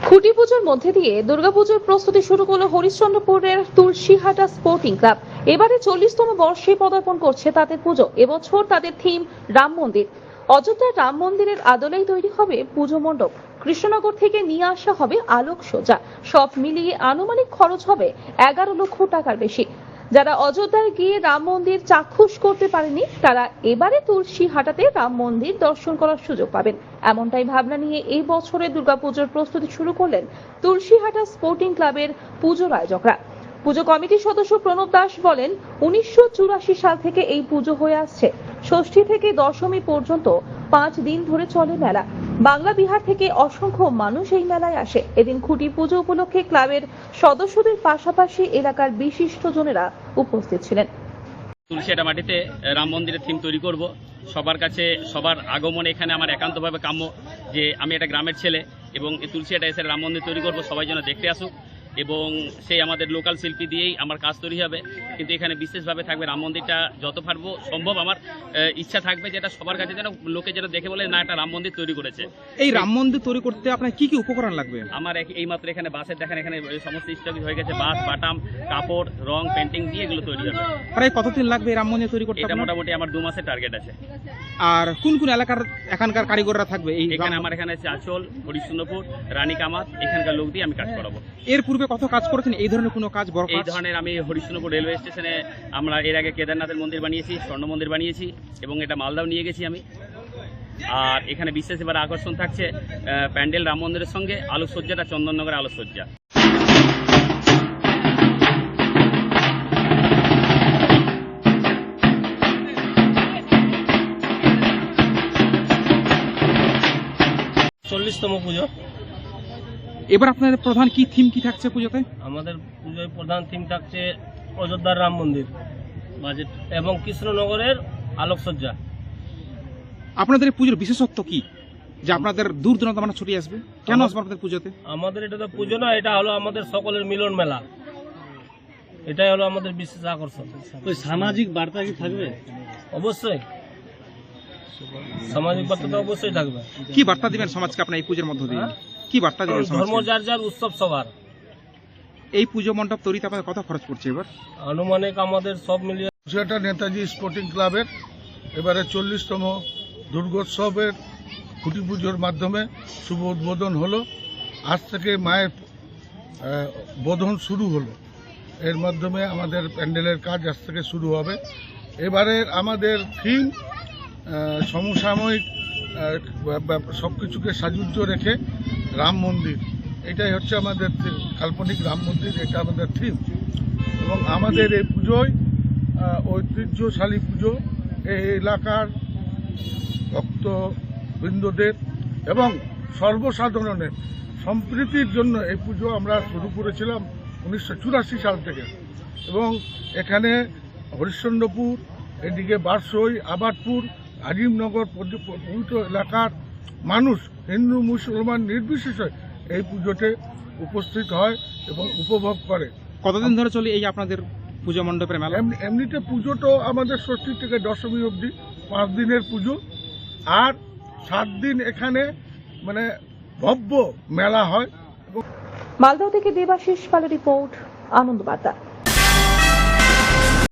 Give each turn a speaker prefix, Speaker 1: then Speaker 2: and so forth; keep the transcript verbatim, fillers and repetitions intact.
Speaker 1: খুঁটি পুজোর মধ্যে দিয়ে দুর্গাপুজোর প্রস্তুতি শুরু করলো হরিশ্চন্দ্রপুরের তুলসীহাটা স্পোর্টিং ক্লাব। এবারে চল্লিশতম বর্ষে পদার্পণ করছে তাদের পুজো। এবছর তাদের থিম রাম মন্দির। অযোধ্যার রাম মন্দিরের আদলেই তৈরি হবে পুজো মণ্ডপ। কৃষ্ণনগর থেকে নিয়ে আসা হবে আলোকসজ্জা। সব মিলিয়ে আনুমানিক খরচ হবে এগারো লক্ষ টাকার বেশি। যারা অযোধ্যায় গিয়ে রাম মন্দির চাক্ষুষ করতে পারেনি তারা এবারে তুলসীহাটাতে রাম মন্দির দর্শন করার সুযোগ পাবেন। এমনটাই ভাবনা নিয়ে এই বছরের দুর্গাপুজোর প্রস্তুতি শুরু করলেন তুলসীহাটা স্পোর্টিং ক্লাবের পুজোর আয়োজকরা। পুজো কমিটির সদস্য প্রণব দাস বলেন, উনিশশো চুরাশি সাল থেকে এই পুজো হয়ে আসছে। ষষ্ঠী থেকে দশমী পর্যন্ত পাঁচ দিন ধরে চলে মেলা। বাংলা বিহার থেকে অসংখ্য মানুষ এই মেলায় আসে। এদিন খুঁটি পুজো উপলক্ষে ক্লাবের সদস্যদের পাশাপাশি এলাকার বিশিষ্টজনেরা উপস্থিত ছিলেন।
Speaker 2: তুলসীহাটা মাটিতে রাম মন্দিরের থিম তৈরি করব। সবার কাছে সবার আগমনে এখানে আমার একান্তভাবে কাম্য যে আমি একটা গ্রামের ছেলে এবং এই তুলসীহাটা এসে রাম মন্দির তৈরি করব, সবাই যেন দেখতে আসুক এবং সেই আমাদের লোকাল শিল্পী দিয়েই আমার কাজ তৈরি হবে। কিন্তু এখানে বিশেষভাবে থাকবে রাম মন্দিরটা যত পারবো সম্ভব আমার ইচ্ছা থাকবে যেটা সবার কাছে যেন লোকে যেন দেখে বলে না একটা রাম মন্দির তৈরি করেছে।
Speaker 3: এই রাম মন্দির তৈরি করতে আপনার কি কি উপকরণ লাগবে?
Speaker 2: আমার এই মাত্র এখানে বাসের দেখেন এখানে সমস্ত স্টক হয়ে গেছে, বাস বাটাম কাপড় রং পেন্টিং দিয়ে এগুলো তৈরি হবে।
Speaker 3: প্রায় কতদিন লাগবে এই রাম মন্দির তৈরি করতে?
Speaker 2: এটা মোটামুটি আমার দু মাসের টার্গেট আছে।
Speaker 3: আর কোন কোন এলাকার এখানকার কারিগররা থাকবে? এই
Speaker 2: এখানে আমার এখানে আছে আচল, হরিশ্চন্দ্রপুর, রানী কামাত, এখানকার লোক দিয়ে আমি কাজ করাবো।
Speaker 3: এর পূর্বে কত কাজ করেছেন এই ধরনের কোনো কাজ? বড়
Speaker 2: এই ধরনের আমি হরিশ্চন্দ্রপুর রেলওয়ে স্টেশনে আমরা এর আগে কেদারনাথের মন্দির বানিয়েছি, স্বর্ণ মন্দির বানিয়েছি এবং এটা মালদাও নিয়ে গেছি আমি। আর এখানে বিশেষ এবার আকর্ষণ থাকছে প্যান্ডেল রাম মন্দিরের সঙ্গে আলোকসজ্জাটা চন্দননগরের আলোকসজ্জা।
Speaker 4: চল্লিশতম পুজো।
Speaker 3: এবার আপনাদের প্রধান কি থিম কি থাকছে পুজোতে?
Speaker 4: আমাদের পুজোয় প্রধান থিম থাকছে অযোধ্যার রাম মন্দির বাজেট এবং কৃষ্ণনগরের আলোকসজ্জা।
Speaker 3: আপনাদের এই পুজোর বিশেষত্ব কি যে আপনাদের দূর দূরান্ত মানুষ ছুটে আসবে? কেন আসবে আপনাদের পুজোতে?
Speaker 4: আমাদের এটা তো পুজো না, এটা হলো আমাদের সকলের মিলন মেলা। এটাই হলো আমাদের বিশেষ আকর্ষণ।
Speaker 5: ওই সামাজিক বার্তা কি থাকবে?
Speaker 4: অবশ্যই সামাজিক বার্তা তো অবশ্যই থাকবে।
Speaker 3: কি বার্তা দিবেন সমাজকে আপনার এই পুজোর মধ্য দিয়ে? কি বার্তা দিবেন
Speaker 4: ধর্ম
Speaker 3: সমাজকে?
Speaker 4: যার যার, উৎসব সবার।
Speaker 3: এই পুজো মণ্ডপ তৈরিতে আপনাদের কত খরচ পড়ছে এবার?
Speaker 4: আনুমানিক আমাদের সব মিলিয়ে
Speaker 6: সেটা নেতাজি স্পোর্টিং ক্লাবের এবারে চল্লিশতম দুর্গোৎসবের খুঁটি পুজোর মাধ্যমে শুভ উদ্বোধন হলো। আজ থেকে মায়ের বোধন শুরু হলো। এর মাধ্যমে আমাদের প্যান্ডেলের কাজ আজ থেকে শুরু হবে। এবারের আমাদের থিম সমসাময়িক সব কিছুকে সাজুজ্য রেখে রাম মন্দির, এটাই হচ্ছে আমাদের কাল্পনিক রাম মন্দির, এটা আমাদের থিম। এবং আমাদের এই পুজোয় ঐতিহ্যশালী পুজো, এই এলাকার ভক্তবৃন্দদের এবং সর্বসাধারণের সম্প্রীতির জন্য এই পুজো আমরা শুরু করেছিলাম উনিশশো চুরাশি সাল থেকে। এবং এখানে হরিশ্চন্দ্রপুর, এদিকে বারসই, আবাদপুর, আজিমনগর পবিত্র এলাকার মানুষ হিন্দু মুসলমান নির্বিশেষে এই পুজোতে উপস্থিত হয় এবং উপভোগ করে।
Speaker 3: কতদিন ধরে চলে এই আপনাদের পুজো মণ্ডপের মেলা?
Speaker 6: এমনিতে পুজো তো আমাদের ষষ্ঠী থেকে দশমী অবধি পাঁচ দিনের পুজো, আর সাত দিন এখানে মানে ভব্য মেলা হয়।
Speaker 1: মালদা থেকে দেবাশিস পালের রিপোর্ট, আনন্দ বার্তা।